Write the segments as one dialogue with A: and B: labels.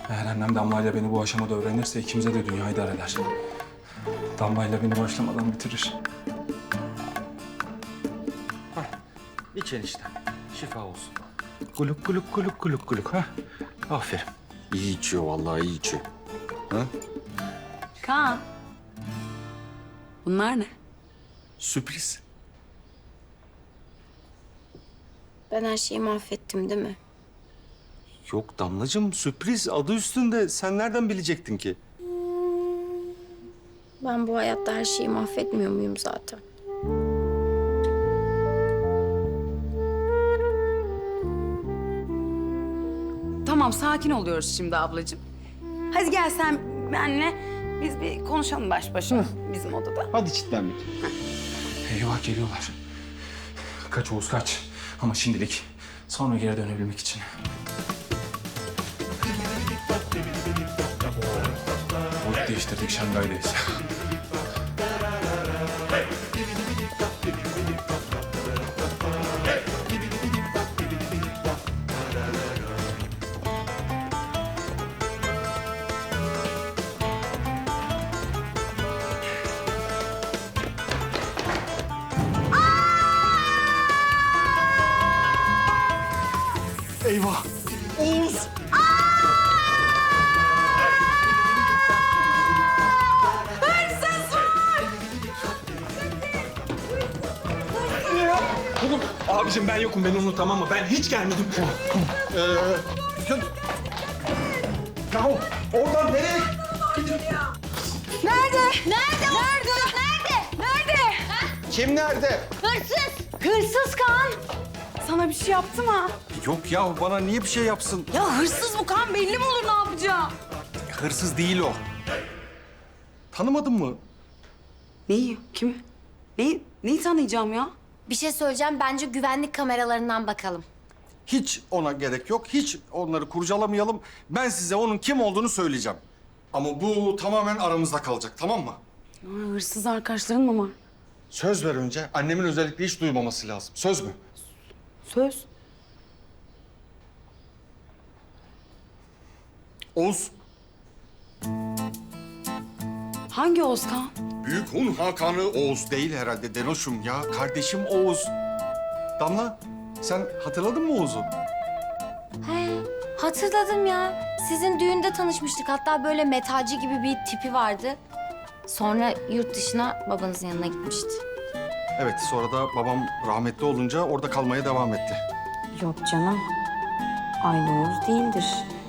A: Eğer annem Damla'yla beni bu aşamada öğrenirse ikimize de dünyayı dar eder. Damla'yla beni başlamadan bitirir.
B: İç enişte. Şifa olsun. Kuluk kuluk kuluk kuluk kuluk. Ha? Aferin. İyi içiyor vallahi, iyi içiyor. Ha?
C: Kaan. Bunlar ne?
B: Sürpriz.
D: Ben her şeyi mahvettim değil mi?
B: Yok Damlacığım, sürpriz adı üstünde. Sen nereden bilecektin ki?
D: Ben bu hayatta her şeyi mahvetmiyor muyum zaten?
C: Tamam, sakin oluyoruz şimdi ablacığım. Hadi gel sen benle biz bir konuşalım baş başa bizim odada.
B: Hadi çitlenmek.
A: Eyvah geliyorlar. Kaç Oğuz kaç. Ama şimdilik sonra geri dönebilmek için. Boyut değiştirdik, Şangay'dayız.
B: Eyvah! Oğuz!
A: Abicim ben yokum, beni unut tamam mı? Ben hiç gelmedim.
B: Ya oradan nereye?
C: Nerede?
B: Kim nerede?
C: Hırsız Kaan. Sana bir şey yaptı mı?
B: Yok ya, bana niye bir şey yapsın?
C: Ya hırsız bu Kaan, belli mi olur ne yapacağı?
B: Hırsız değil o. Tanımadın mı?
C: Neyi? Kimi? Neyi tanıyacağım ya?
D: Bir şey söyleyeceğim. Bence güvenlik kameralarından bakalım.
B: Hiç ona gerek yok. Hiç onları kurcalamayalım. Ben size onun kim olduğunu söyleyeceğim. Ama bu tamamen aramızda kalacak, tamam mı?
C: Hırsız arkadaşların mı var?
B: Söz ver önce. Annemin özellikle hiç duymaması lazım. Söz mü?
C: Söz.
B: Oğuz.
C: Hangi Oğuz Kaan?
B: Büyük Hun Hakanı Oğuz değil herhalde Denoş'um ya. Kardeşim Oğuz. Damla, sen hatırladın mı Oğuz'u?
D: He, hatırladım ya. Sizin düğünde tanışmıştık. Hatta böyle metalci gibi bir tipi vardı. Sonra yurt dışına babanızın yanına gitmişti.
B: Evet, sonra da babam rahmetli olunca orada kalmaya devam etti.
D: Yok canım. Aynı Oğuz değildir.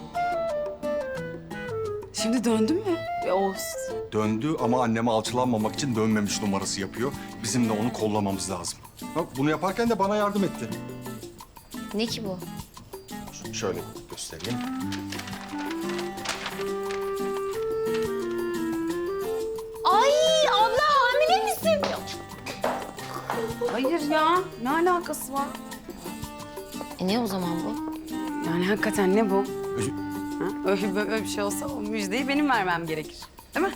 C: Şimdi döndün mü? Oğuz.
B: Döndü ama anneme alçılanmamak için dönmemiş numarası yapıyor. Bizim de onu kollamamız lazım. Bak bunu yaparken de bana yardım etti.
D: Ne ki bu?
B: Şöyle göstereyim.
D: Ay abla hamile misin?
C: Hayır ya. Ne alakası var?
D: Ne o zaman bu?
C: Yani hakikaten ne bu? Ha? Öyle bir şey olsa o müjdeyi benim vermem gerekir. Değil mi?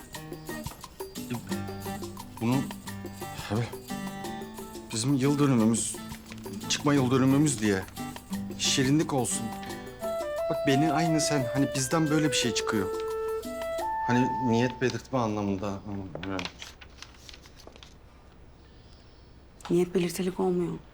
B: Bunu tabii bizim yıl dönümümüz, çıkma yıl dönümümüz diye şirinlik olsun. Bak beni aynı sen, hani bizden böyle bir şey çıkıyor. Hani niyet belirtme anlamında.
C: Niyet belirtilik olmuyor.